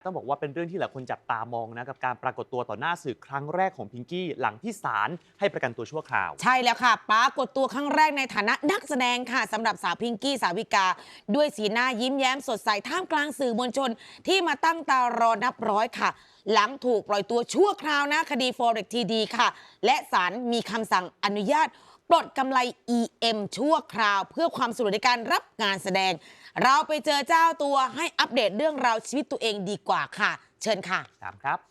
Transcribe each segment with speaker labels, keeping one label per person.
Speaker 1: ต้องบอกว่าเป็นเรื่องที่หลายคนจับตามองนะกับการปรากฏตัวต่อหน้าสื่อครั้งแรกของพิงกี้หลังที่ศาลให้ประกันตัวชั่วคราว
Speaker 2: ใช่แล้วค่ะปรากฏตัวครั้งแรกในฐานะนักแสดงค่ะสำหรับสาวพิงกี้สาวิกา ด้วยสีหน้ายิ้มแย้มสดใสท่ามกลางสื่อมวลชนที่มาตั้งตารอนับร้อยค่ะ หลังถูกปล่อยตัวชั่วคราวนะคดี Forex TD ค่ะ และศาลมีคำสั่งอนุญาตปลดกำไร EM ชั่วคราว เพื่อความสะดวกในการรับงานแสดง เราไปเจอเจ้าตัวให้อัปเดตเรื่องราวชีวิตตัวเองดีกว่าค่ะ เชิญค่ะ
Speaker 1: ตามครับ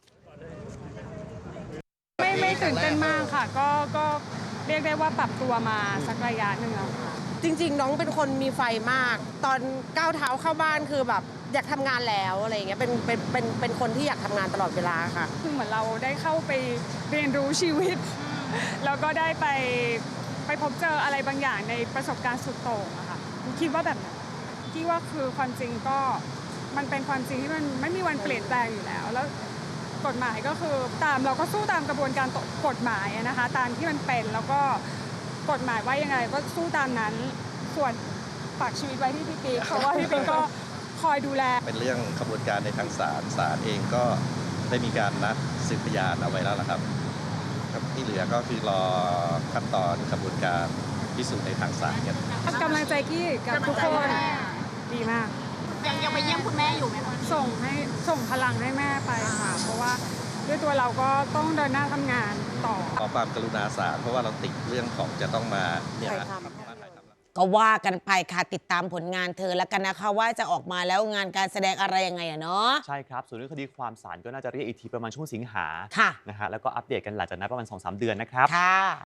Speaker 3: ไม่ตื่นเต้นมากค่ะก็เรียกได้ว่าปรับตัวมาสักระยะหนึ่งแล้วค่ะ
Speaker 4: จริงๆน้องเป็นคนมีไฟมาก ตอนก้าวเท้าเข้าบ้านคือแบบอยากทำงานแล้วอะไรอย่างเงี้ยเป็นคนที่อยากทำงานตลอดเวลาค่ะ
Speaker 3: คือเหมือนเราได้เข้าไปเรียนรู้ชีวิตแล้วก็ได้ไปพบเจออะไรบางอย่างในประสบการณ์สุดโต่งอะค่ะคิดว่าแบบนั้นคิดว่าคือความจริงก็มันเป็นความจริงที่มันไม่มีวันเปลี่ยนแปลงอยู่แล้วกฎหมายก็คือเราก็สู้ตามกระบวนการกฎหมายนะคะตามที่มันเป็นแล้วก็กฎหมายว่ายังไงก็สู้ตามนั้นส่วนฝากชีวิตไว้ที่พี่ปิ๊กเพราะว่าพี่ปิ๊กก็คอยดูแล
Speaker 5: เป็นเรื่องกระบวนการในทางศาลเองก็ได้มีการนัดสืบพยานเอาไว้แล้วล่ะครับที่เหลือก็คือรอขั้นตอนกระบวนการพิสูจน์ในทางศาลกัน
Speaker 3: กำลังใจกี้กับทุกคนดีมาก
Speaker 6: ยังไปเยี่ยมคุณแม่อยู่ไหมคะ
Speaker 3: ส่งพลังให้แม่ไปค่ะเพราะว่าด้วยตัวเราก็ต้องเดินหน้าทำงานต่อ
Speaker 5: ขอความกรุณาศาลเพราะว่าเราติดเรื่องของจะต้องมาเนี่ย
Speaker 2: ก็ว่ากันไปค่ะติดตามผลงานเธอแล้วกันนะคะว่าจะออกมาแล้วงานการแสดงอะไรยังไงอะเนาะ
Speaker 1: ใช่ครับส่วนเรื่องคดีความศาลก็น่าจะเรียกอีกทีประมาณช่วงสิงหา
Speaker 2: ค่ะ
Speaker 1: นะฮะแล้วก็อัปเดตกันหลังจากนั้นประมาณ 2-3 เดือนนะครับ
Speaker 2: ค่ะ